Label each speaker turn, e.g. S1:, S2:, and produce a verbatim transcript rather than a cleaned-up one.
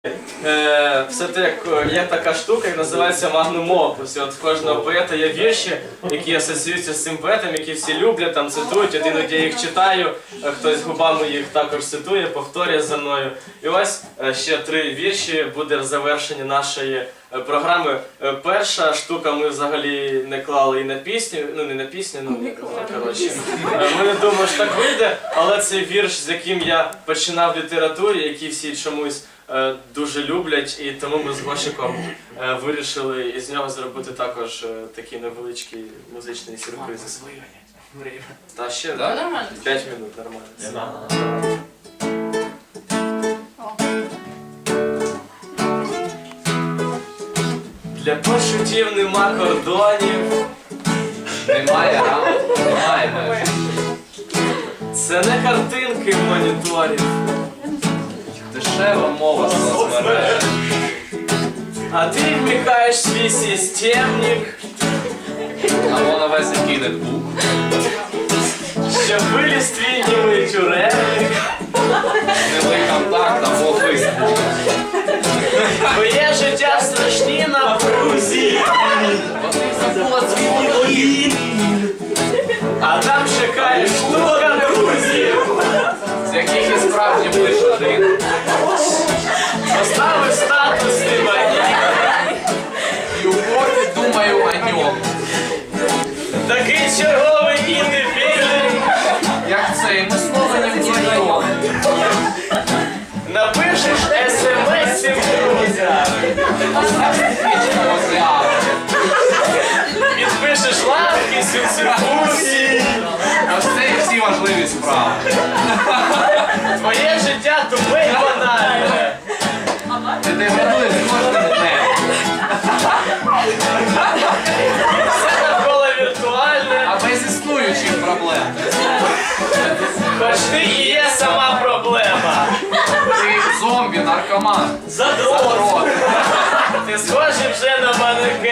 S1: Е, все те, є така штука, яка називається магнум опус. І от в кожного поета є вірші, які асоціюються з цим поетом, які всі люблять, там цитують. От іноді я їх читаю, хтось губами їх також цитує, повторює за мною. І ось ще три вірші буде в завершенні нашої програми. Перша штука ми взагалі не клали і на пісню, ну не на пісню, ну коротше. Ми не думали, що так вийде, але це вірш, з яким я починав в літературі, який всі чомусь дуже люблять, і тому ми з Гошиком вирішили із нього зробити також такий невеличкий музичний сюрприз. Та ще п'ять минут, нормально. Для почуттів нема кордонів.
S2: Немає рам, немає меж.
S1: Це не картинки моніторів.
S2: Дешева мова соцмереж.
S1: А ти вмикаєш свій системник,
S2: А вона весь який нетбук.
S1: щоб виліз твій німий тюремник.
S2: Немий контакт або фейсбук.
S1: Твоє життя в страшній напрузі.
S2: Бо ти забула свій дім.
S1: А там чекає штука друзів.
S2: З яких і справді лиш один.
S1: Поставив статус ти мені.
S2: І у порті думаю о ньому.
S1: Такий черговий індивідуум.
S2: Як це, ми знову не вдвоєм.
S1: Напишеш смс-ів друзям.
S2: Вічного зряду.
S1: Підпишеш лавки, сюцюфусі.
S2: Ось це і всі важливі справи.
S1: Твоє життя тупе й банальне.
S2: Ти деградуєш кожним днем.
S1: Все навколо віртуальне.
S2: А без існуючих проблем.
S1: Хоч ти і є сама проблема.
S2: Ти зомбі, наркоман.
S1: Задрот.
S2: Задрот.
S1: Ти схожий вже на манекен.